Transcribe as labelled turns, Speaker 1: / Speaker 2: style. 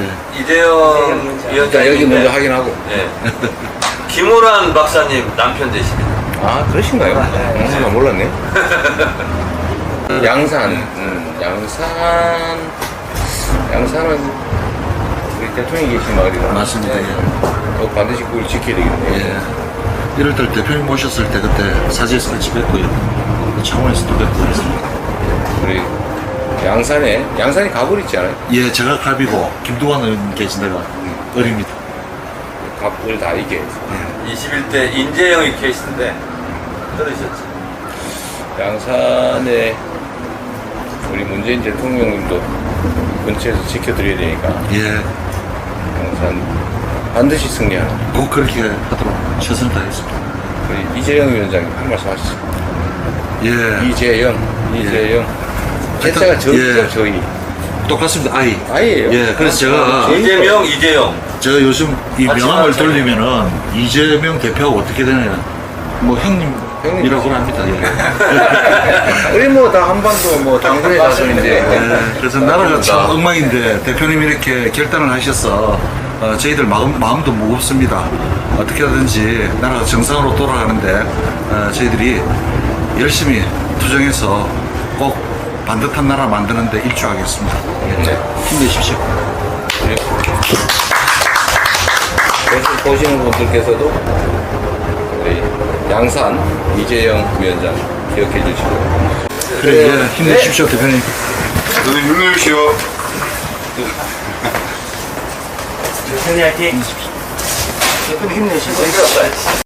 Speaker 1: 이재영
Speaker 2: 일단 여기
Speaker 1: 위원장님.
Speaker 2: 먼저 확인하고.
Speaker 1: 예. 김호란 박사님 남편 되십니다.
Speaker 2: 아, 그러신가요? 나 몰랐네. 양산, 양산은 우리 대통령이 계신 마을이라.
Speaker 3: 맞습니다. 예.
Speaker 2: 반드시 그걸 지켜야 되겠네요.
Speaker 3: 예. 1월달 대표님 모셨을 때 그때 사지에서 같이 뵙고요. 창원에서도 뵙고 그랬습니다.
Speaker 2: 우리 양산이 가불 있지 않아요?
Speaker 3: 예, 제가 갑이고 김두관 의원 계신 데가 을입니다.
Speaker 2: 가불 다 이게.
Speaker 1: 21대 인재영이 케이스인데 들으셨죠?
Speaker 2: 양산에 우리 문재인 대통령님도 근처에서 지켜드려야 되니까
Speaker 3: 예,
Speaker 2: 양산 반드시 승리하는
Speaker 3: 꼭 그렇게 하도록 최선을 다하겠습니다.
Speaker 2: 우리 이재영 위원장님 한 말씀 하시죠.
Speaker 3: 예,
Speaker 2: 이재영 제자가 저희
Speaker 3: 똑같습니다.
Speaker 2: 아이예요.
Speaker 3: 예, 그래서 제가
Speaker 1: 이재영.
Speaker 3: 제가 요즘 이
Speaker 1: 같이
Speaker 3: 명함을
Speaker 1: 나왔잖아요.
Speaker 3: 돌리면은 이재명 대표하고 어떻게 되느냐 뭐 형님이라고 합니다. 예.
Speaker 2: 우리 뭐 다 한반도 뭐 당근의 자손인데
Speaker 3: 예, 그래서 나라가 참 엉망인데 대표님이 이렇게 결단을 하셔서 저희들 마음도 무겁습니다. 어떻게 하든지 나라가 정상으로 돌아가는데 저희들이 열심히 투쟁해서 꼭 반듯한 나라 만드는데 일조하겠습니다. 예. 힘내십시오.
Speaker 2: 보시는 분들께서도 우리 양산 이재영 위원장 기억해 주시고
Speaker 3: 그래, 예, 힘내십시오, 대표님.
Speaker 4: 저도 힘내십시오.
Speaker 5: 대표님 화이팅! 대표님 힘내시고.